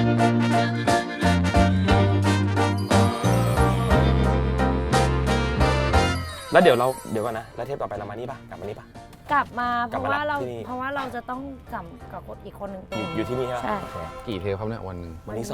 แล้วเดี๋ยวก่อนนะแล้วเทปต่อไปเรามานี่ปะกลับมานี่ปะกลับมาเพราะว่าเราจะต้องจำกับอีกคนหนึ่งอยู่ที่นี่ใช่ไหมใช่กี่เทปครับเนี่ยวันหนึ่งวันนี้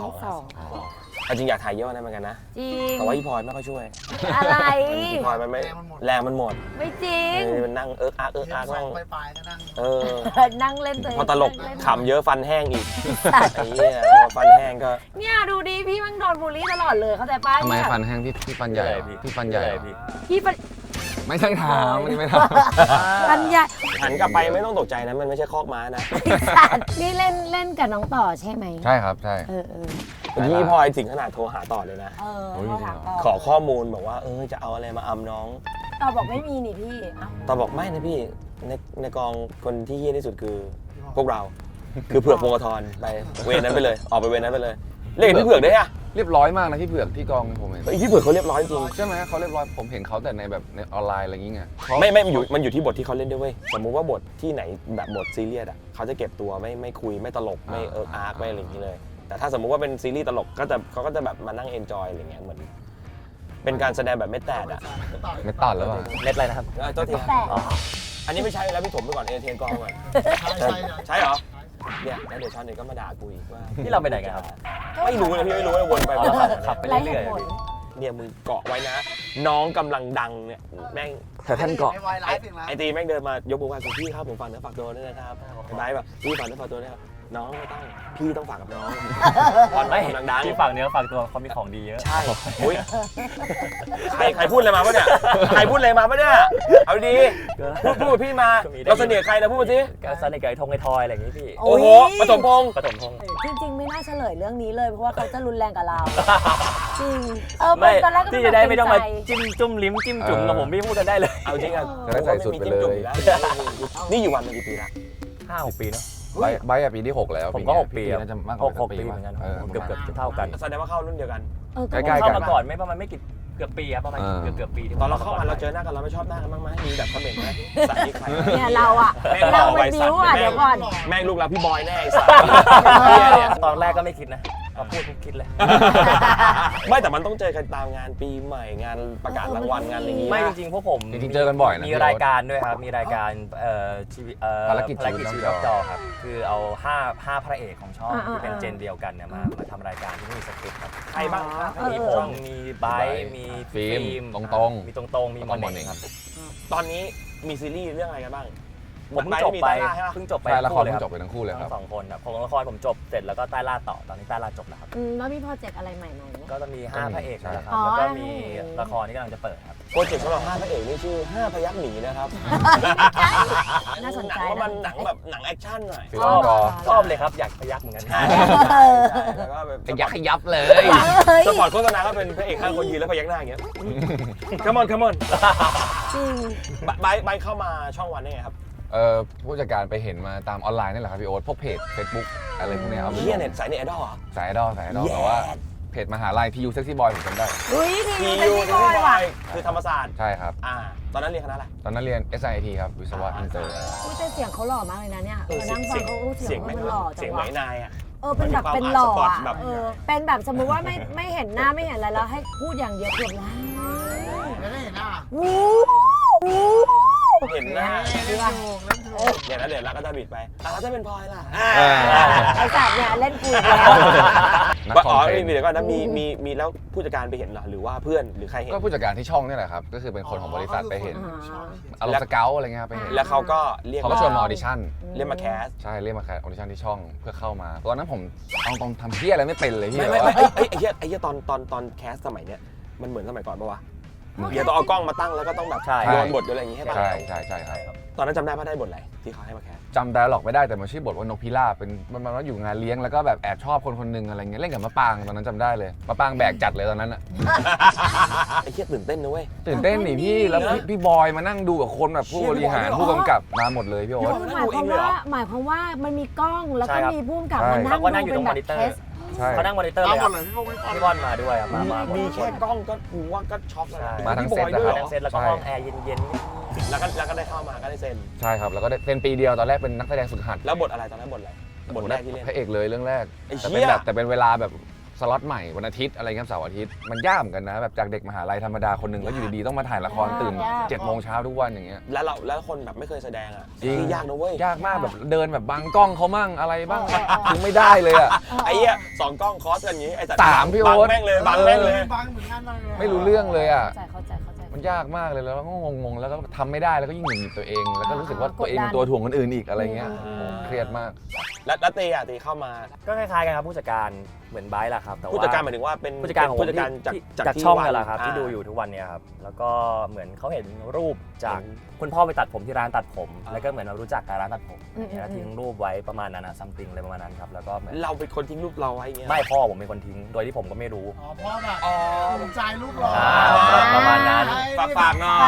2จริงอยากถ่ายเยอะนะเหมือนกันนะจริงแต่ว่าพี่พลอยไม่ค่อยช่วยอะไรพี่พลอยมันไม่แรงมันหมดไม่จริงมันนั่งอักนั่งนั่งเล่นตัวเองพอตลกขำเยอะฟันแห้งอีกไอ้เหี้ยพอฟันแห้งก็เนี่ยดูดิพี่มันโดนบูลลี่ตลอดเลยเข้าใจป้ะทำไมฟันแห้งพี่ฟันใหญ่พี่ฟันใหญ่พี่ฟันไม่ใช่ถามไม่ฟันใหญ่หันกลับไปไม่ต้องตกใจนะมันไม่ใช่คอกม้านะนี่เล่นกับน้องต่อใช่ไหมใช่ครับใช่พี่พลอยถึงขนาดโทรหาต่อเลยนะเขาถามต่อขอข้อมูลบอกว่าจะเอาอะไรมาอำน้องต่อบอกไม่มีนี่พี่ต่อบอกไม่นะพี่ในกองคนที่เยี่ยที่สุดคือพวกเราคือเผือกพงศธรไปเวรนั้นไปเลยออกไปเวรนั้นไปเลยเรียกพี่เผือกได้อะเรียบร้อยมากนะพี่เผือกที่กองผมเห็นพี่เผือกเขาเรียบร้อยจริงใช่ไหมเขาเรียบร้อยผมเห็นเขาแต่ในแบบในออนไลน์อะไรอย่างเงี้ยไม่มันอยู่ที่บทที่เขาเล่นด้วยเว้ยสมมุติว่าบทที่ไหนแบบบทซีเรียสอ่ะเขาจะเก็บตัวไม่คุยไม่ตลกไม่อาร์คไม่อะไรอย่างนี้เลยแต่ถ้าสมมุติว่าเป็นซีรีส์ตลกเขาก็จะแบบมานั่งเอนจอยอะไรเงี้ยเหมือนเป็นการแสดงแบบไม่แตกอ่ะไม่ตัดแล้วป่ะเม็ดอะไรนะครับตัวทีอันนี้ไม่ใช่แล้วพี่ถมไปก่อนเอเทนกองก่อนใช่เหรอเนี่ยแล้วเดี๋ยวชาวเน็ตก็มาด่ากูอีกว่าที่เราไปไหนกันครับไม่รู้นะพี่ไม่รู้เลยวนไปขับไปเรื่อยๆเนี่ยมึงเกาะไว้นะน้องกำลังดังเนี่ยแม่งแต่ท่านเกาะไอตีแม่งเดินมายกมือไหว้พี่ครับผมฝากเนื้อฝากตัวด้วยนะครับไอ้แบบพี่ฝากเนื้อฝากตัวด้วยครับน้องไม่ต้องพี่ต้องฝากกับน้องตอนไม่กำลังดังพี่ฝากเนื้อฝากตัวเขามีของดีเยอะใช่อุ้ยใครพูดอะไรมาปะเนี่ยใครพูดอะไรมาปะเนี่ยเอาดีพูดพี่มาเราเสน่ห์ใครนะพูดมาสิก็เสน่ห์กับไอ้ทงไอ้ทอยอะไรอย่างงี้พี่โอ้โหปฐมพงษ์จริงๆไม่น่าเฉลยเรื่องนี้เลยเพราะว่าเขาจะรุนแรงกับเราจริงไม่ตอนแรกก็พี่จะได้ไม่ต้องมาจิ้มจุ่มลิ้มจิ้มจุ่มกับผมพี่พูดกันได้เลยเอาจริงอ่ะจะได้ใส่สุดไปเลยนี่อยู่วันมากี่ปีละ 5-6 ปีเนาะใบปีที่6แล้วผมก็6 ปีน่าจะมากกว่า 6 ปีเหมือนกันเกือบเท่ากันแสดงว่าเข้ารุ่นเดียวกันใกล้ๆกันเข้ามาก่อนไม่ประมาณไม่กี่เกือบปีครับประมาณเกือบปีตอนเราเข้ามาเราเจอหน้ากันเราไม่ชอบหน้ากันบ้างไหมมีแบบคอมเมนต์ไหมสัตว์ที่ใครเนี่ยเราเป็นบิ้วเดี๋ยวก่อนแม่งลูกเราพี่บอยแน่ไอ้สัตว์ตอนแรกก็ไม่คิดนะพอพูดคิดเลยไม่แต่มันต้องเจอกันตามงานปีใหม่งานประกาศรางวัลงานอะไรอย่างงี้ไม่จริงๆพวกผมจริงๆเจอกันบ่อยนะมีรายการด้วยครับมีรายการชีวิตภารกิจชีวิตนอกจอครับคือเอา5พระเอกของช่องที่เป็นเจนเดียวกันเนี่ยมาทำรายการที่มีสคริปต์ครับใครบ้างครับมีผมมีไบร์มีฟิล์มตรงมีตรงมีมอนเองครับตอนนี้มีซีรีส์เรื่องอะไรกันบ้างผมเพิ่งจบไปละครจบไปทั้งคู่เลยครับ 2 คนครับของละครผมจบเสร็จแล้วก็ใต้ล่าต่อตอนนี้ใต้ล่าจบแล้วครับแล้วมีโปรเจกต์อะไรใหม่ไหมก็จะมี5พระเอกนะครับแล้วก็มีละครที่กำลังจะเปิดครับโปรเจกต์สำหรับ5พระเอกนี่ชื่อ5พยัคฆ์หนีนะครับน่าสนใจว่ามันหนังแบบหนังแอคชั่นหน่อยชอบเลยครับอยากพยัคฆ์เหมือนกันแล้วก็แบบพยัคฆ์ยับเลยสปอร์ตโฆษณาก็เป็นพระเอก5 คนยืนแล้วพยักหน้าอย่างเงี้ย Come on จริงใบเข้ามาช่องวันได้ไงครับผู้จัดการไปเห็นมาตามออนไลน์นี่แหละครับพี่โอ๊ตพวกเพจ Facebook อะไรพวกนี้ครับเฮียเน็ตสายเน็ตไอดอลเหรอสายไอดอลแต่ว่าเพจมหาลัย TU Sexy Boy ผมจำได้ TU Sexy Boy คือธรรมศาสตร์ใช่ครับตอนนั้นเรียนคณะอะไรตอนนั้นเรียน SIT ครับวิศวะอินเตอร์แต่เสียงเขาหล่อมากเลยนะเนี่ยนั่งฟังเขาเสียงมันหล่อจังวะเสียงไหมนายอ่ะเป็นแบบเป็นหล่อเป็นแบบสมมุติว่าไม่เห็นหน้าไม่เห็นอะไรแล้วให้พูดอย่างเดียวเกือบล้านไม่ได้เห็นหน้าเห็นหน้าเดี๋ยวนะเดี๋ยวเราก็จะบิดไปแล้วจะเป็นพลอยล่ะไอ้สัตว์เนี่ยเล่นคุยมีเดี๋ยวก่อนนะมีแล้วผู้จัดการไปเห็นเหรอหรือว่าเพื่อนหรือใครเห็นก็ผู้จัดการที่ช่องนี่แหละครับก็คือเป็นคนของบริษัทไปเห็นอารมณ์สเกลอะไรเงี้ยไปเห็นแล้วเขาก็เรียกเขาก็ชวนมาออดิชั่นเรียกมาแคสใช่เรียกมาแคสออดิชั่นที่ช่องเพื่อเข้ามาตอนนั้นผมเอาตรงทำเพี้ยอะไรไม่เป็นเลยพี่ไม่ไอ้เหี้ยตอนแคสสมัยเนี้ยมันเหมือนสมัยก่อนปะวะเดี๋ยวต้องเอากล้องมาตั้งแล้วก็ต้องแบบโยนบทอะไรอย่างงี้ให้ป่ะใช่ครับตอนนั้นจำได้ป่ะได้บทอะไรที่เขาให้มาแคสจำได้หรอกไม่ได้แต่มันชื่อบทว่านกพิราบเป็นมันว่าอยู่งานเลี้ยงแล้วก็แบบแอบชอบคนนึงอะไรเงี้ยเล่นกับมะปางตอนนั้นจำได้เลยมะปางแบกจัดเลยตอนนั้นอ่ะไอ้เหี้ยตื่นเต้นนะเว้ยตื่นเต้นหนิพี่แล้วพี่บอยมานั่งดูกับคนแบบผู้บริหารผู้กำกับมาหมดเลยพี่โอ๊ตหมายความว่ามันมีกล้องแล้วก็มีผู้กำกับมานั่งดูเป็นแบบเทสเขานั่งมอนิเตอร์เลยพี่บอลมาด้วยมีแค่กล้องก็กูว่าก็ช็อกแล้วมาทั้งเซตแล้วก็ห้องแอร์เย็นๆแล้วก็ได้เข้ามาก็ได้เซ็นใช่ครับแล้วก็ได้เซ็นปีเดียวตอนแรกเป็นนักแสดงฝึกหัดแล้วบทอะไรตอนนั้นบทอะไรบทแรกที่เล่นพระเอกเลยเรื่องแรกไอ้แต่เหี้เป็นยแบบแต่เป็นเวลาแบบสล็อตใหม่วันอาทิตย์อะไรเงี้ยเสาร์อาทิตย์มันยากเหมือนกันนะแบบจากเด็กมหาลัยธรรมดาคนหนึ่งแล้วอยู่ดีๆต้องมาถ่ายละครตื่นยาก 7 โมงเช้าทุกวันอย่างเงี้ยแล้วคนแบบไม่เคยแสดงอ่ะจริงยากนะเว้ยยากมากแบบเดินแบบบังกล้องเขามั่งอะไรบ้างคือไม่ได้เลยอ่ะไอ้เหี้ย2 กล้องคอสกันอย่างงี้ไอ้สัตว์ 3พี่โอ๊บังตแม่งเลยบังแม่งเลยบางเหมือนกันเลยไม่รู้เรื่องเลยอ่ะเข้าใจมันยากมากเลยแล้วก็งงๆแล้วก็ทำไม่ได้แล้วก็ยิ่งหงุดหงิดตัวเอง แล้วก็รู้สึกว่าตัวเองกดดันเป็นตัวถ่วงคนอื่นอีกอะไรเงี้ยอืมเครียดมากแล้วตีเข้ามาก็คล้ายๆกันครับผู้จัดการเหมือนไบร์ทแหละครับแต่ว่าผู้จัดการหมายถึงว่าเป็นผู้จัดการของผมผู้จัดการที่จากจากที่ช่องวันี่แหละครับที่าดูอยู่ทุกวันเนี้ครับแล้วก็เหมือนเขาเห็นรูปจากคุณพ่อไปตัดผมที่ร้านตัดผม แล้วก็เหมือนเรารู้จักกับร้านตัดผมแล้วทิ้งรูปไว้ประมาณนั้นนะซัมติงอะไรประมาณนั้นครับแล้วก็เหมือนเราเป็นคนทิ้งรูปเราไว้เงี้ยไม่พ่อผมเป็นคนทิ้งโดยที่ผมก็ไม่รู้อ๋อเพราะแบบภูมิใจรูปหล่อประมาณนั้นฝากหน่อย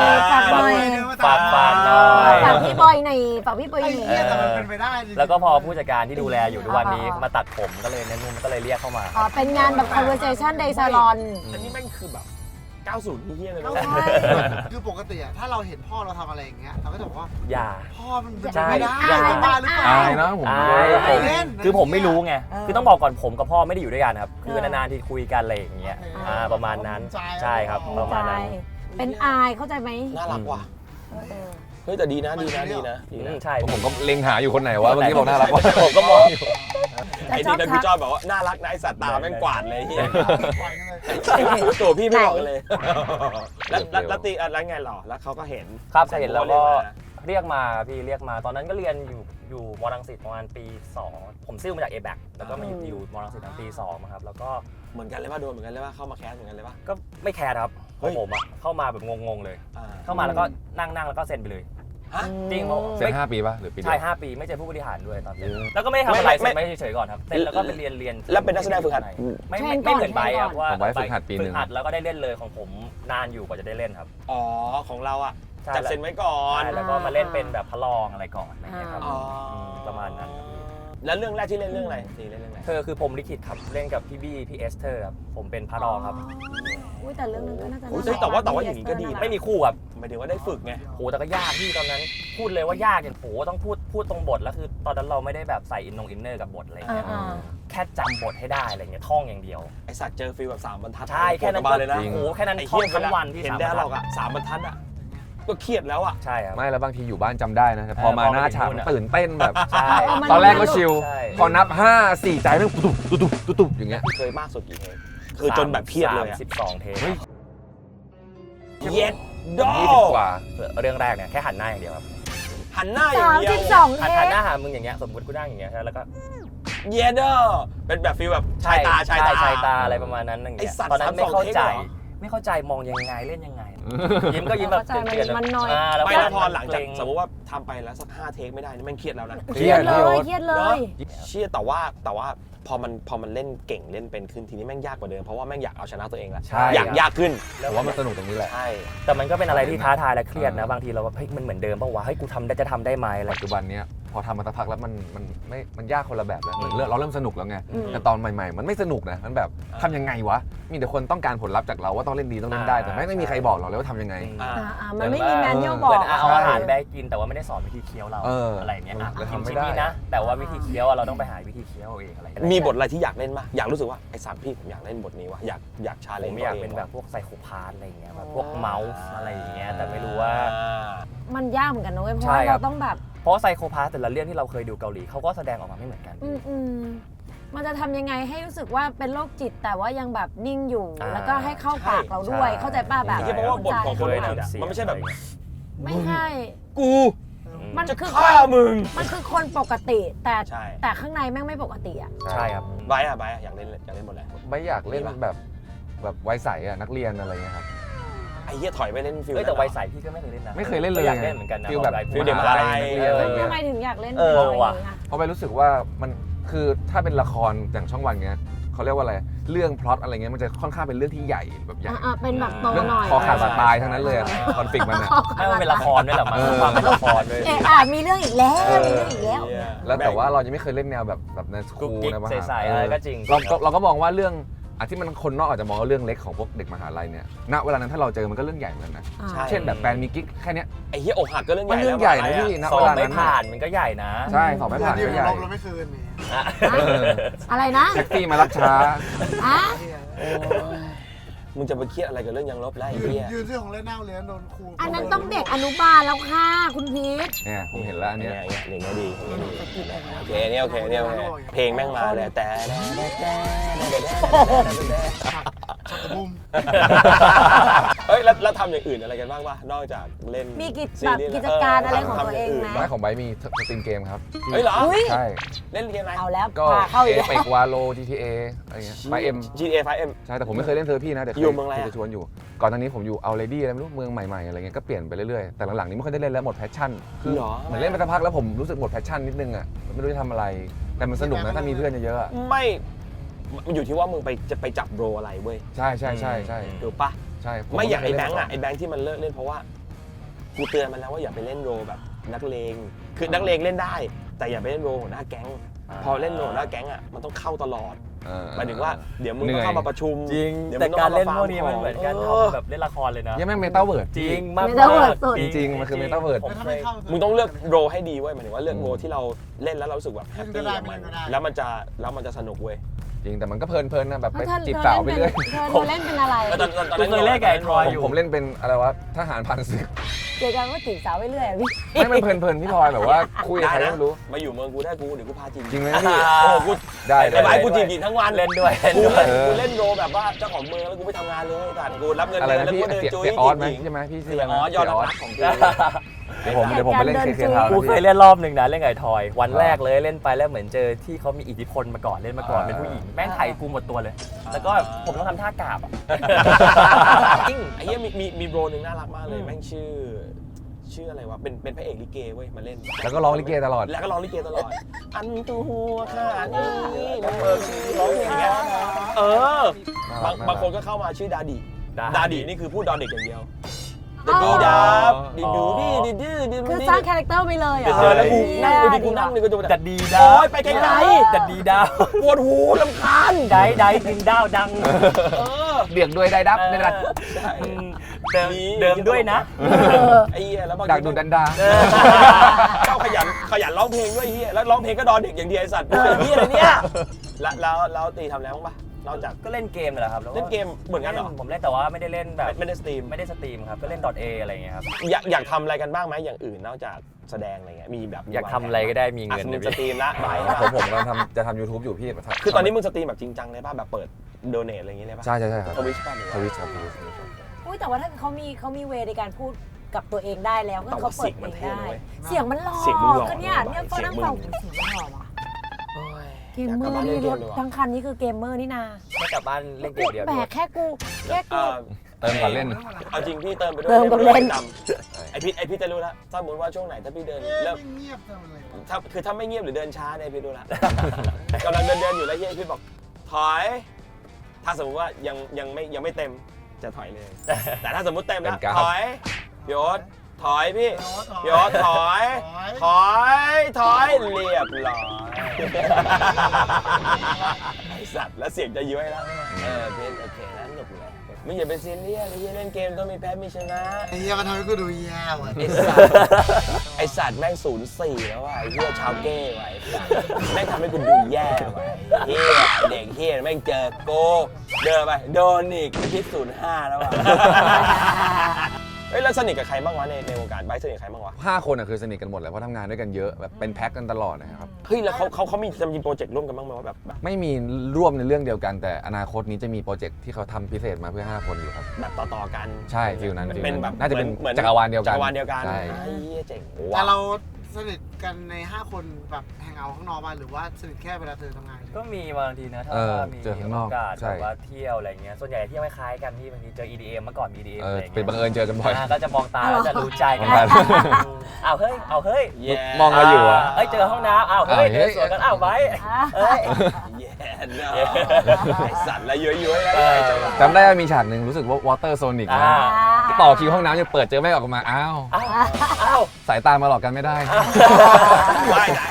ฝากหน่อยฝากหน่อยฝากพี่บอยหน่อยฝากพี่บอยหไอ้น่อยเหี้ยแต่มันเป็นไปได้จริงๆแล้วก็พอผู้จัดการที่ดูแลอยู่ทุกวันนี้มาตัดผมก็เลยเน้นมุมก็เลยเรียกเข้ามาอ๋อเป็นงานแบบ conversation day salon อันนี้แม่งคือแบบ 90นี่เฮี้ยเลยนะใช่คือปกติอะถ้าเราเห็นพ่อเราทำอะไรอย่างเงี้ยเราก็จะบอกว่าอย่าพ่อมันเป็นใช่ไม่ได้อย่าบ้าหรือเปล่าอายนะผมคือผมไม่รู้ไงเออคือต้องบอกก่อนผมกับพ่อไม่ได้อยู่ด้วยกันครับ คือนานๆที่คุยกันอะไรอย่างเงี้ยประมาณนั้น ใช่ครับ ประมาณนั้นเป็นอายเข้าใจไหมน่ารักว่ะเออเฮ้ยแต่ดีนะใช่ผมก็เล็งหาอยู่คนไหนวะเมื่อกี้บอกน่ารักวะผมก็มองอยู่ไอ้นี่นะพี่จอยบอกว่าน่ารักนะไอสัตว์ตาแม่งกวาดเลยเฮียปล่อยกันเลยตัวพี่ไม่ออกกันเลย แล้วตีแล้วไงหรอแล้วเขาก็เห็นครับเห็นแล้วก็เรียกมาพี่เรียกมา ตอนนั้นก็เรียนอยู่มรังสิตประมาณปี 2 ผมซิ่วมาจาก A-back แล้วก็มาอยู่มรังสิตตั้งปี2ครับแล้วก็เหมือนกันเลยว่าโดนเหมือนกันเลยว่าเข้ามาแคสเหมือนกันเลยว่าก็ไม่แคร์ครับเฮ้ยผมอะเข้ามาแบบงงๆเลย เข้ามาแล้วก็นั่งแล้วก็เซ็นไปเลยฮะจริงเพราะเซ็น5 ปีป่ะหรือปีเดียวใช่5 ปีไม่เจอผู้บริหารด้วยตอนเซ็นแล้วก็ไม่ได้ทำอะไรเซ็นไม่เฉยๆก่อนครับเซ็นแล้วก็ไปเรียนแล้วเป็นนักแสดงฝึกหัดไม่เหมือนใบครับว่าผมไว้ฝึกหัดปีหนึ่งฝึกหัดแล้วก็ได้เล่นเลยของผมนานอยู่กว่าจะได้เล่นครับอ๋อของเราอ่ะใช่จับเซ็นไว้ก่อนใช่แล้วก็มาเล่นเป็นแบบพระรองอะไรก่อนอะไรอย่างเงี้ยครับอ๋อประมาณนั้นครับแล้วเรื่องแรกที่เล่นเรื่องอะไรตีเล่นเรื่องอะไรเธอคือผมลิขิตครับเล่นกับพี่บี้พี่เอสเธอร์ครับผมเป็นพระรองครับอุ้ยแต่เรื่องนึงก็น่าจะโอ้ยแต่ว่าอย่างนี้ก็ดีไม่มีคู่ครับหมายถึงว่าได้ฝึกไงโหแต่ก็ยากพี่ตอนนั้น พูดเลยว่ายากอย่างโหต้องพูดตรงบทแล้วคือตอนนั้นเราไม่ได้แบบใส่อินเนอร์กับบทอะไรอย่างเงี้ย แค่จำบทให้ได้อะไรเงี้ยท่องอย่างเดียวไอสัตว์เจอฟิลแบบ3 บรรทัดใช่แค่นั้นบาเลยนะโอ้โหแค่นั้นไอ้ท่อเหี้งยทั้งวันที่เห็น 3 ได้หรอกบรรทัดอ่ะ3 บรรทัดอ่ะก็เครียดแล้วอ่ะใช่ครับไม่แล้วบางทีอยู่บ้านจำได้นะแต่พอมาหน้าฉากพอมาถึงนู่นอะตื่นเต้นแบบใช่ตอนแรกก็ชิลใช่พอนับ 5 4 ใจแม่งตุบอย่างเงี้ยเคยมากสุดกี่เทปคือจนแบบเครียดเลยอ่ะ 32 เทปเฮ้ยเย็ดดอ 20 กว่าเรื่องแรกเนี่ยแค่หันหน้าอย่างเดียวครับหันหน้าอย่างเดียว 32 เทหันปหน้าหามึงอย่างเงี้ยสมมติกูนั่งอย่างเงี้ยแล้วก็เย็ดเดอเป็นแบบฟิลแบบชายตาชายตาอะไรประมาณนั้นอย่างเงี้ยไอ้สัตว์ตอนนั้นไม่ 32 เข้าใจเทปเหรอไม่เข้าใจมองยังไงเล่นยังไง ยิ้มก็ยิ้มแบบเข้าใจเกลียดๆมันน้อยแล้วไม่ก็แล้วพอหลังจากเกรสมมติว่าทำไปแล้วสัก5 เทคไม่ได้นี่แม่งเครียดแล้วนะเครียดเลยเครียดเลยเชี่ยแต่ว่าพอมันเล่นเก่งเล่นเป็นขึ้นทีนี้แม่งยากกว่าเดิมเพราะว่าแม่งอยากเอาชนะตัวเองละใช่อยากยากขึ้นผมว่ามันสนุกตรงนี้แหละใช่แต่มันก็เป็นอะไรที่ท้าทายและเครียดนะบางทีเราว่าเฮ้ยมันเหมือนเดิมป่าวะเฮ้ยกูทำได้จะทำได้ไหมอะไรปัจจุบันเนี้ยพอทำมาสักพักแล้วมันยากคนละแบบแล้วเหมือนเราเริ่มสนุกแล้วไงอืมแต่ตอนใหม่ๆ มันไม่สนุกนะมันแบบทำยังไงวะมีแต่คนต้องการผลลัพธ์จากเราว่าต้องเล่นดีต้องเล่นได้แต่ไม่มีใครบอกเราเลยว่าทำยังไงอ่ามันไม่มีแมนนวลบเหอมืกอนเอาอาหารไปให้กินแต่ว่าไม่ได้สอนวิธีเคี้ยวเราเออออะไรอย่างเงี้ยอ่ะแล้วกินทำไม่ชิ้นได้นี้นะ แต่ว่าวิธีเคี้ยวอะเราต้องไปหาวิธีเคี้ยวเอาเองอะไรอย่างเงี้ยมีบทอะไรที่อยากเล่นปะอยากรู้สึกว่าไอ้สามพี่ผมอยากเล่นบทนี้วะอยากชาเลผนจ์มอยากเป็นแบบพวกไซโคพาธอะไรอย่างเงี้ยแบบพวกเมาส์อะไรอย่างเงี้ยแต่ไม่รู้ว่ามันยากเหมือนกันนะเว้ยเพราะใช่ว่าครัเราบต้องแบบเพราะไซโคพาธแต่ละเรื่องที่เราเคยดูเกาหลีเขาก็แสดงออกมาไม่เหมือนกันมันจะทำยังไงให้รู้สึกว่าเป็นโรคจิตแต่ว่ายังแบบนิ่งอยู่อ่าแล้วก็ให้เข้าปากเราด้วยใช่เข้าใจป้ะแบบที่เพราะว่าบทของคนเคยอื่นอะทำเสียงมันไม่ใช่แบบไม่ใช่กูมันจะคือฆ่ามึงมันคือคนปกติแต่ใช่แต่ข้างในแม่งไม่ปกติอ่ะใช่ครับไบร์ทอะอยากเล่นบทอะไรไม่อยากเล่นมีปะแบบวัยใสอะนักเรียนอะไรเงี้ยครับไอ้เหี้ยถอยไปเล่นฟิลเอ้ยแต่วัยใสพี่ก็ไม่เคยเล่นนะไม่เคยเล่นเลยก็อยากเล่นเหมือนกันนะฟีลแบบฟีลเด็กมหาลัยนักเรียนอะไรเงี้ทำยไมถึงอยากเล่นเอออะไรว่ะอย่างเงี้ยเพราะไปรู้สึกว่ามันคือถ้าเป็นละครอย่างช่องวันเงี้ยเขาเรียกว่าอะไรเรื่องพล็อตอะไรเงี้ยมันจะค่อนข้างเป็นเรื่องที่ใหญ่แบบใหญ่เป็นแบบโตเรื่องหน่อยคอขาดบาดตายทั้งนั้นเลยคอนฟ lict มันอะไม่มันเป็นละครด้วยแหละมันมีความเป็นละครด้วยมีเรื่องอีกแล้วมีเรื่องอีกแล้วแล้วแต่ว่าเรายังไม่เคยเล่นแนวแบบในสกุ๊คูกลกิ๊กนะมหาใสๆอะไรก็จริงเราก็มองว่าเรื่องที่มันคนนอกอาจจะมองว่าเรื่องเล็กของพวกเด็กมหาลัยเนี่ยณเวลานั้นถ้าเราเจอมันก็เรื่องใหญ่เหมือนกันนะอ่าใช่เช่นแบบแฟนมีกิ๊กแค่เนี้ยไอ้เหี้ยอกหักก็เรื่องใหมันญ่เรื่องใหญ่นะพี่ณสอเวบลาไม่นั้นผ่านมันก็ใหญ่นะใช่สอบไม่ผ่านเดือนก็เดียวใหญ่เราไม่คืนนี่อะไรนะแท็กซี่มารับช้าอ่ะมึงจะไปเครียดอะไรกับเรื่องยังลบไล่ไอ้เหี้ยยืนซื้อของเล่นหน้าโรงเรียนโดนครูอันนั้นต้องเด็กอนุบาลแล้วค่ะคุณพีทเนี่ยผมเห็นแล้วอันเนี้ยอย่างเงี้ยดีโอเคเนี่ยโอเคเนี่ยโอเคเพลงแม่งมาเลยแต่ชักกระบุ้มเฮ้ยแล้วทำอย่างอื่นอะไรกันบ้างวะนอกจากเล่นมีกิจซีแบบรีส์กิจการอะไรของตัวเองไหมร้านของไบร์ทมีสตรีมเกมครับเฮ้ยเหรออุ้ยใช่เล่นเกมอะไรเอาแล้วก็พาเข้าอีกเอแล้วเปกวาโล GTA อะไรเงี้ยไบร์ทเอ็ม GTA 5M ใช่แต่ผมไม่เคยเล่นเธอพี่นะแต่เคอยู่เมืองอะไรอะจะชวนอยู่ก่อนหน้านี้ผมอยู่เอาเลดี้อะไรไม่รู้เมืองใหม่ๆอะไรเงี้ยก็เปลี่ยนไปเรื่อยๆแต่หลังๆนี้ไม่ค่อยได้เล่นแล้วหมดแพชชั่นคือเหรอเหมือนเล่นไปสักพักแล้วผมรู้สึกหมดแพชชั่นนิดนึงอ่ะไม่รู้จะทำอะไร แต่มันสนุกนะถ้ามีเพื่อนเยอะๆอะไม่มันอยู่ที่ว่ามึงจะไปจับโรอะไรเว้ยใช่ใช่ใช่ใช่ถูกปะใช่ผไม่อย่างไอ้เคแบเล่งนค์มาก่อ่ะไอ้แบงค์ที่มันเลิกเล่นเพราะว่ากูเตือนมันแล้วว่าอย่าไปเล่นโรแบบนักเลงคือนักเลงเล่นได้ แต่อย่าไปเล่นโรหัวหน้าแก๊งพอเล่นโรหัวหน้าแก๊งอ่ะมันต้องเข้าตลอด หมายถึงว่าเดี๋ยวมึงต้องเข้ามาประชุมจริงดี๋ยวแต่มึงการต้เล่องนข้พมวกนี้มันเหมือนการเออทำแบบเล่นละครเลยนะยังไม่เมตาเวิร์ดจริงมากไม่ต้องเวิร์ดสุดจริงๆมันคือเมตาเวิร์ดแล้วถ้าไม่เข้ามึงต้องเลือกโรให้ดีเว้ยหมายถึงว่าเลือกโรที่เราเล่นแล้วเรารู้สึกแบบแฮปปี้กับมันแล้วมันจะสนุกเว้ยจริงแต่มันก็เพลินๆนะแบบไปเธอจีบสาวไปเรื่อยเธอเล่นเป็นอะไรตอนกูเคยเล่นกับไอ้ทอยอยู่ผมเล่นเป็นอะไรวะทหารพันศึกเกี่ยวกับว่าจีบสาวไปเรื่อยอะพี่ไม่มันเพลินๆพี่พลอยแบบว่าคุยกับใครก็ไม่รู้มาอยู่เมืองกูได้กูเดี๋ยวกูพาจีบจริงไหมพี่โอ้กูได้ไอ้ไอ้กูจีบหญิงทั้งวันเล่นด้วยกูเล่นโรแบบว่าเจ้าของเมืองแล้วกูไปทำงานเลยแต่กูรับเงินอะไรเดือนนะแล้วพี่กูเดินเสียจุ้ยเสียออสไหมจีบหญิงใช่ไหมพี่เสีชื่อย อะไรอ๋นะอยอดเสียออรัสกของกูเดี๋ยวผมไปเล่นเคทาวน์กูนะเคยพี่เล่นรอบหนึ่งนะเล่นกับไอ้ทอย วันแรกเลยเล่นไปแล้วเหมือนเจอที่เขามีอิทธิพลมาก่อนเล่นมาก่อนเป็นผู้หญิงแม่งไถ่กูหมดตัวเลย แล้วก็ผมต้องทำท่ากราบอะจริงไอ้เหี้ยมีโบรหนึ่งน่ารักมากเลยแม่งชื่ออะไรวะเป็นพระเอกลิเกเว้ยมาเล่นแล้วก็ร้องลิเกตลอดแล้วก็ร้องลิเกตลอด อันตัวข้านี่มันร้องเพลงอย่างเงี้ยเออบางคนก็เข้ามาชื่อดาดินี่คือพูดดอเด็กอย่างเดียวดีดาบดีดูดีดีดื้อดีคือสร้างคาแรคเตอร์ไปเลยเหรอแล้วกูนั่งดูกูนั่งดูก็จะดัดดีดาโอ๊ยไปไกลดัดดีดาวๆปวดหูลำคาญได้ดึงดาวดังเออเบียกด้วยได้ดับในรัดใช่เดิมด้วยนะไอ้เหี้ยแล้วบางดักทีดูดันดาชอบขยันร้องเพลงด้วยเฮียแล้วร้องเพลงก็ดอเด็กอย่างเดียวไอ้สัตว์เฮียอะไรเนี่ยแล้วตีทำแล้วบ้างปะนอกจากก็เล่นเกมนั่นแหละครับเล่นเกมเหมือนกันเหรอผมเล่นแต่ว่าไม่ได้เล่นแบบไม่ได้สตรีมไม่ได้สตรีมครับก็เล่น .a อะไรอย่างเงี้ยครับอยากทำอะไรกันบ้างไหมอย่างอื่นนอกจากแสดงอะไรเงี้ยมีแบบอยากทำอะไรก็ได้มีเงินมึงนะสพี่ตรีมละบายผมกำลังจะทำ YouTube อยู่พี่คือตอนนี้มึงสตรีมแบบจริงจังเลยป่ะแบบเปิดโดเนทอะไรอย่างเงี้ยเลยป่ะใช่ใช่ครับทวิชป่ะหรือทว่าวิชครับอุ้ยแต่ว่าถ้าเขามีเวในการพูดกับตัวเองได้แล้วก็เขาเปิดเองได้เสียงมันหล่อก็เนี่ยเฟิร์นนั่งฟังเสียงมันหล่อว่ะเกมเมอร์นี่รถทั้งคันนี้คือเกมเมอร์นี่นาไม่กลับบ้านเล่นเกมเดียวแบดีกกว่าแค่กูเติมก่อนเล่นเอาจริงพี่เติมไปด้วยเติมกับเล่นไอพี่จะรู้แล้วสมมติว่าช่วงไหนถ้าพี่เดินเริ่มเงียบทำอะไรถ้าไม่เงียบหรือเดินช้าเนี่ยพี่รู้ละ กำลังเดินอยู่แล้วเฮียพี่บอกถอย ถ้าสมมติว่ายังไม่เต็มจะถอยเลย แต่ถ้าสมมติเต็มแล้วเป็นกราฟถอยพี่โอ๊ตถอยพี่เดี๋พี่โอ๊ตถอยเรียบร้อยไอสัตว์แล้วเสียงจะย้วยแล้วเป็นโอเคแล้วหนุกเลยไม่อย่าเป็นซีเรียสไอ้เหี้ยเล่นเกมต้องมีแพ้มีชนะไอ้เหี้ยมันทำให้กูดูแย่ว่ะไอสัตว์แม่ง0-4แล้วว่ะไอ้เหี้ยชาวเก้ไว้แม่งทำให้กูดูแย่ว่ะเฮียเด็กเฮียแม่งเจอโกเดินไปโดนอีกคิด0-5แล้วว่ะเฮ้ยแล้วสนิทกับใครบ้างวะในวงการไบค์สนิทกับใครบ้างวะ 5 คนคือสนิทกันหมดเลยเพราะทำงานด้วยกันเยอะแบบเป็นแพ็คกันตลอดนะครับเฮ้ยแล้วเขามีโปรเจกต์ร่วมกันบ้างไหมว่าแบบไม่มีร่วมในเรื่องเดียวกันแต่อนาคตนี้จะมีโปรเจกต์ที่เขาทำพิเศษมาเพื่อ 5 คนอยู่ครับแบบต่อกันใช่ฟิลนั้นเป็นแบบน่าจะเป็นหมือจักรวาลเดียวกันจักรวาลเดียวกันใช่ไอ้เหี้ยเจ๋งแต่ว่ะเราสนิทกันใน 5 คนแบบแฮงเอาท์ข้างนอกบ้างหรือว่าสนิทแค่เวลาเธอทำงานก็มีบางทีนะถ้ามีเจอข้างนอกโอกาสใช่แบบว่าเที่ยวอะไรเงี้ยส่วนใหญ่เที่ยวคล้ายๆกันที่บางทีเจอ EDM เมื่อก่อน EDM อะไรเงี้ยเป็นบังเอิญเจอกันบ่อยก็จะมองตาแล้วจะรู้ใจกันมองตาเอาเฮ้ยแย่มองเราอยู่อะเอ้ยเจอห้องน้ำเฮ้ยเดินสวนกันไว้เอ้ยแย่เนอะไอ้สัตว์แล้วย้อยๆแล้วจำได้ว่ามีฉากหนึ่งรู้สึกว่าวอเตอร์โซนิกนะต่อคิวห้องน้ำยังเปิดเจอไม่ออกมาอ้าวอ้าวสายตามาหลอกกันไม่ได้ไม่นะไอ้อ้าว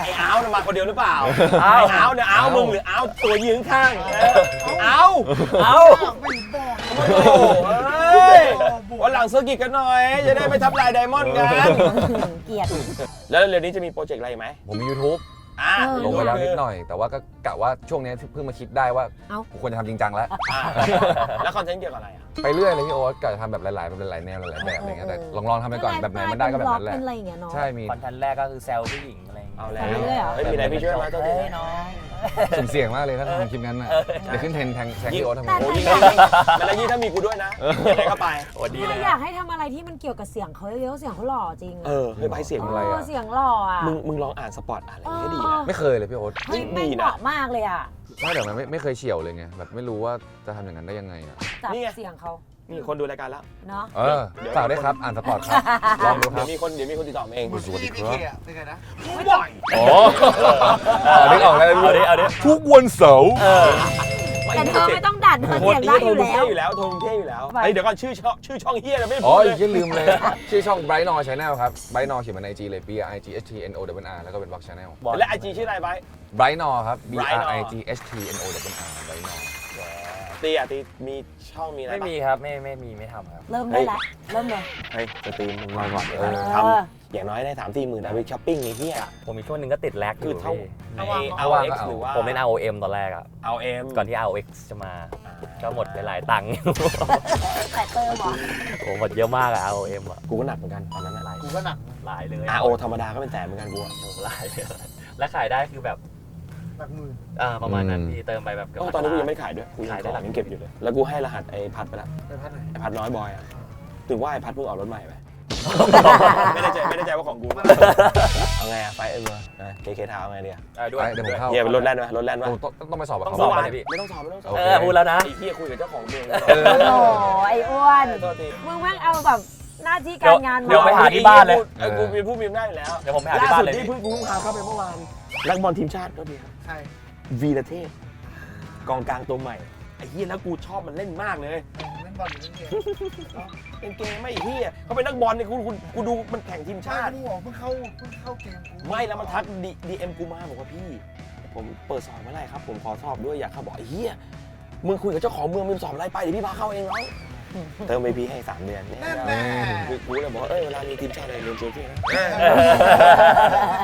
มันมาคนเดียวหรือเปล่าเอาเนี่ยเอามึงหรือเอาตัวยืนข้างเอาไม่บอกโอ้โหเฮ้ยวันหลังเซอร์กิตกันหน่อยจะได้ไปทับลายไดมอนด์กันเกลียดแล้วเร็วนี้จะมีโปรเจกต์อะไรไหมผมมี YouTube ลงไปแล้วนิดหน่อย แต่ว่าก็กะว่าช่วงนี้เพิ่งมาคิดได้ว่ากูควรจะทำจริงจังแล้วแล้วคอนเทนต์เกี่ยวกับอะไรอ่ะไปเรื่อยเลยพี่โอ๊ตกะจะทำแบบหลายๆแนวหลายๆแบบอะไรเงี้ยแต่ลองทำไปก่อนแบบไหนมันได้ก็แบบนั้นแหละเป็นอะไรอย่างเงี้ยเนาะใช่มีคอนเทนต์แรกก็คือแซวผู้หญิงอะไรอย่างเงี้ยเอาแล้วไปเรื่อยเหรอเฮ้ยมีอะไรพี่ช่วยมาตัวทีเอ้ยน้องสุ่มเสี่ยงมากเลยถ้าทำคลิปนั้นน่ะเดี๋ยวขึ้นเทรนด์แทงพี่โอ๊ตทำไมโอ้ยยิ่งแล้วยิ่งถ้ามีกูด้วยนะยังไงก็ไปโอ้ดีเลยอยากให้ทำอะไรที่มันเกี่ยวกับเสียงเขาเยอะๆเสียงเขาหล่อจริงเฮ้ยไปเสียงอะไรเสียงหล่ออ่ะมึงลองอ่านสปอตอะไรอย่างเงี้ยดีนะไม่เคยเลยพี่โอ๊ตเฮ้ยไม่เหมาะมากเลยอ่ะไม่แต่มันไม่เคยเฉี่ยวเลยไงแบบไม่รู้ว่าจะทำอย่างนั้นได้ยังไงอ่ะจับเสียงเขามีคนดูรายการแล้วเนาะฝากด้วยครับอ่านสปอร์ตครับลองดูคเดี๋รัยบวมีคนติดต่อมาเองสวัสดีพี่ครับเคอะเป็นไงนะบ่อยอ๋อนึกออกแล้วเอาดิทุกวันเสาร์แต่เธอไม่ต้องดัดเธอโทเสียงได้อยู่เท่แล้วอยู่แล้วโทนเท่อยู่แล้วเฮ้ยเดี๋ยวก่อนชื่อช่องเฮียเราไม่อ๋พูอดเลยอย่าลืมเลย ชื่อช่อง Bright Nor Channel ครับ Bright Nor เขียนมาใน IG เลย BRIGHTNOWR แล้วก็เป็น Vlog Channel และไอจีชื่ออะไรไป Bright Nor ครับ Bright Nor BRIGHTNOWR Bright Nor ตีมีช่องมีอะไรไม่ปะมีครับไม่ทำครับเริ่มได้ละเริ่มเลยเฮ้ยจะตีมึงรอก่อนทำอย่างน้อยได้3-4 หมื่นเอาไปช้อปปิ้งนี่เฮียผมมีช่วงหนึ่งก็ติดแลกอคือยู่ เท่าพี่ในเอาว่าง RX ก็เอาหรือว่าผมเล่น ROM ตอนแรกอ่ะเอาเอ็มก่อนที่ ROX จะมา ก็หมดไปหลายตังค์แต่เติมเหรอโอ้หมดเยอะมากอะ ROM อะกูก็หนักเหมือนกันตอนนั้นหลายกูก็หนักหลายเลย RO ธรรมดาก็เป็นแสนเหมือนกันกูอะโอ้หลายเลยและขายได้คือแบบหลักหมื่นประมาณนั้นพี่เติมไปแบบเกือบตอนนี้กูยังไม่ขายด้วยกูขายได้ของหลักยังเก็บอยู่เลยแล้วกูให้รหัสไอ้พัดไปแล้วไปพัดไหนไอ้พัดน้อยบอยอะถึงว่าไอ้พัดเพิ่งออกรถใหม่ไป ไม่ได้ใจว่าของกูเอาไงอะไฟเออเคทาวเอาไงดีอะด้วยเดี๋ยวผมเข้าเฮียเป็นรถแล่นไหมรถแล่นไหมต้องไปสอบกับต้องเขาสอบไหมเลยพี่ไม่ต้องสอบโอเคพูดแล้วนะไอ้เฮียคุยกับเจ้าของเมืองโอ้โหไอ้อ้วนโทษทีมึงแม่งเอาแบบหน้าที่การงานเดี๋ยวไปหาที่บ้านเลยกูมีผู้มีอำนาจอยู่แล้วเดี๋ยวผมไปหาที่บ้านเลยล่สุดที่เพิ่งพาเข้าไปเมื่อวานนักบอลทีมชาติก็ดีครับใช่วีรเทพกองกลางตัวใหม่ไอ้เฮียแล้วกูชอบมันเล่นมากเลยเล่นบอลหรือเล่นเกมเป็นเกมไม่เฮียเขาเป็นนักบอลเนี่ยกูดูมันแข่งทีมชาชาติติกูบอกเพิ่งเข้าเกมกูไม่แล้วมันทักดีเอ็มกูมาบอกว่าพี่ ผมเปิดสอบเมื่อไหร่ครับ ผมขอสอบด้วยอยากเข้าบอกไอ้เฮียมึงคุยกับเจ้าของเมืองมึงสอบอะไรไปเดี๋ยวพี่พาเข้าเองน้องเติม VP ให้3 เดือนเนี่ยนั่นแน่กูเลยบอกว่าเวลามีทีมชาติอะไรเรียนเจอพี่นะ